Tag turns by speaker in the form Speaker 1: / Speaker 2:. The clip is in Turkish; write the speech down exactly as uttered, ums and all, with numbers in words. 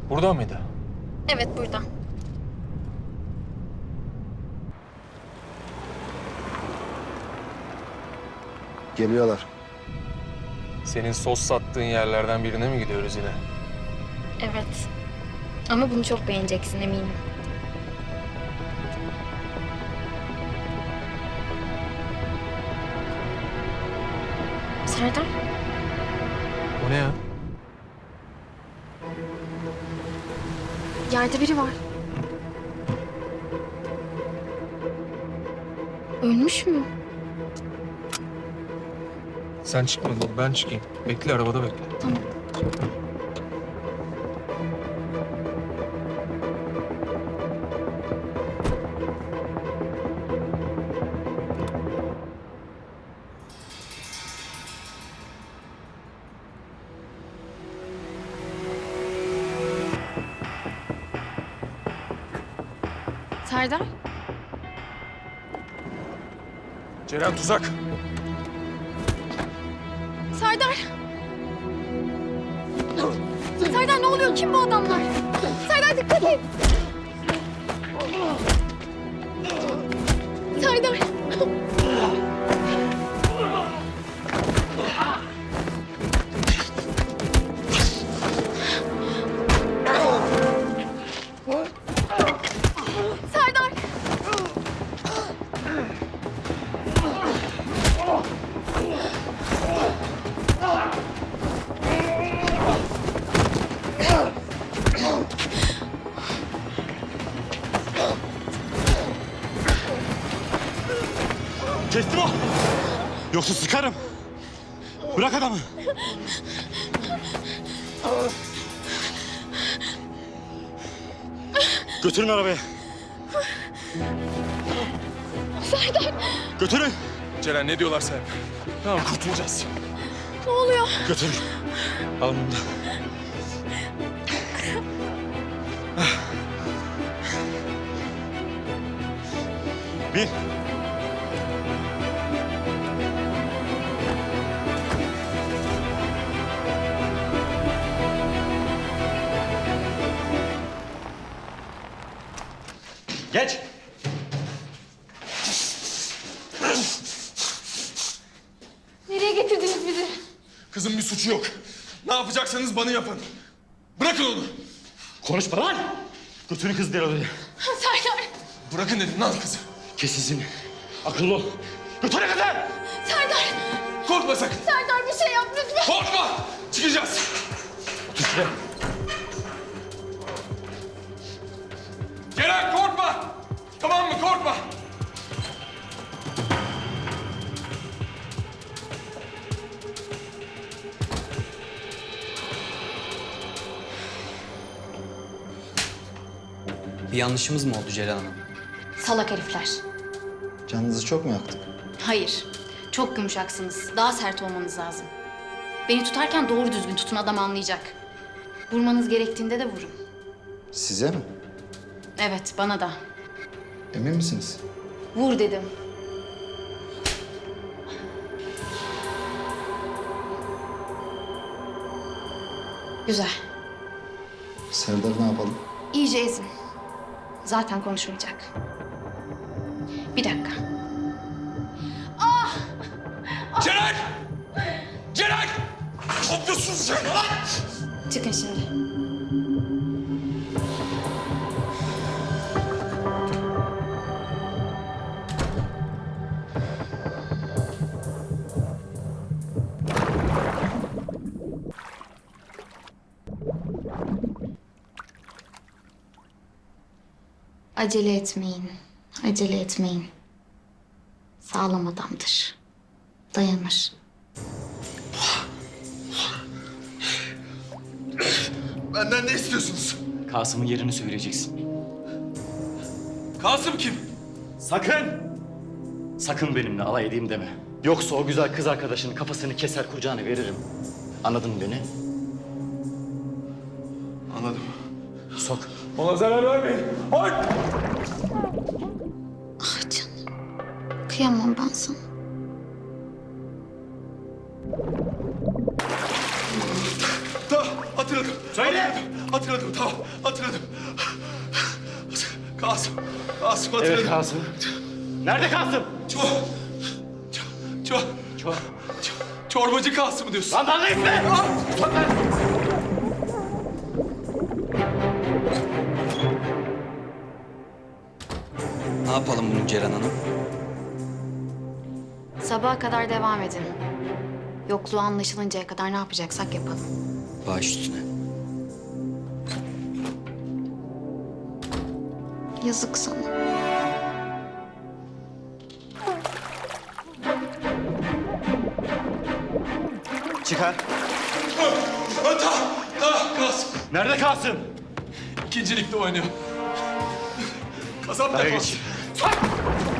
Speaker 1: Burada mıydı?
Speaker 2: Evet, burada.
Speaker 3: Geliyorlar.
Speaker 1: Senin sos sattığın yerlerden birine mi gidiyoruz yine?
Speaker 2: Evet. Ama bunu çok beğeneceksin eminim. Serdar,
Speaker 1: O ne ya?
Speaker 2: yerde biri var. Ölmüş mü?
Speaker 1: Sen çıkmadın, ben çıkayım. Bekle, arabada bekle.
Speaker 2: Tamam. Serdar,
Speaker 1: Ceren tuzak.
Speaker 2: Serdar! Serdar ne oluyor? Kim bu adamlar? Serdar dikkat et! Serdar! Serdar!
Speaker 4: Kestim o. Yoksa sıkarım. Bırak adamı. Götürün arabaya.
Speaker 2: Serdar!
Speaker 4: Götürün.
Speaker 1: Ceren ne diyorlar sen? Tamam, kurtulacağız.
Speaker 2: Ne oluyor?
Speaker 4: Götürün. Al bunu da. Bin. Geç.
Speaker 2: Nereye getirdiniz bizi?
Speaker 1: Kızın bir suçu yok. Ne yapacaksanız bana yapın. Bırakın onu.
Speaker 4: Konuşma lan. Götürün kızı diğer odaya.
Speaker 2: Serdar!
Speaker 1: Bırakın dedim lan kızı.
Speaker 4: Kes sesini. Akıllı ol. Götürün kızı.
Speaker 2: Serdar!
Speaker 1: Korkma sakın.
Speaker 2: Serdar bir şey yap lütfen!
Speaker 1: Korkma. Çıkacağız.
Speaker 4: Otur şuraya.
Speaker 1: Ceren korkma. Tamam mı? Korkma.
Speaker 5: Bir yanlışımız mı oldu Ceylan Hanım?
Speaker 2: Salak herifler.
Speaker 3: Canınızı çok mu yaktık?
Speaker 2: Hayır. Çok yumuşaksınız. Daha sert olmanız lazım. Beni tutarken doğru düzgün tutun, adam anlayacak. Vurmanız gerektiğinde de vurun.
Speaker 3: Size mi?
Speaker 2: Evet, bana da.
Speaker 3: Emin misiniz?
Speaker 2: Vur dedim. Güzel.
Speaker 3: Serdar ne yapalım?
Speaker 2: İyice ezin. Zaten konuşmayacak. Bir dakika.
Speaker 1: Ceren! Ceren! Ne yapıyorsunuz sen lan?
Speaker 2: Çıkın şimdi. Acele etmeyin. Acele etmeyin. Sağlam adamdır. Dayanır.
Speaker 1: Benden ne istiyorsunuz?
Speaker 4: Kasım'ın yerini söyleyeceksin.
Speaker 1: Kasım kim?
Speaker 4: Sakın! Sakın benimle alay edeyim deme. Yoksa o güzel kız arkadaşının kafasını keser kucağına veririm. Anladın mı beni?
Speaker 1: Anladım.
Speaker 4: Sok.
Speaker 1: Ona zarar vermeyin. Hayır!
Speaker 2: Ah canım. Kıyamam ben sana.
Speaker 1: Da, hatırladım. Hatırladım.
Speaker 4: Söyle.
Speaker 1: Hatırladım, hatırladım tamam. Hatırladım. Kasım. Kasım hatırladım.
Speaker 4: Evet Kasım. Nerede Kasım?
Speaker 1: Çor... Çor... Çor...
Speaker 4: Çor.
Speaker 1: Çor- Çorbacı Kasım diyorsun.
Speaker 4: Lan bana itme!
Speaker 5: Ne yapalım bunu Ceren Hanım?
Speaker 2: Sabaha kadar devam edin. Yokluğu anlaşılıncaya kadar ne yapacaksak yapalım.
Speaker 5: Baş üstüne.
Speaker 2: Yazık sana.
Speaker 4: Çıkar.
Speaker 1: Ha, ta, ta, Kasım.
Speaker 4: Nerede Kasım?
Speaker 1: İkinci ligde oynuyor. Kasap
Speaker 4: Araya
Speaker 1: defans.
Speaker 4: geç.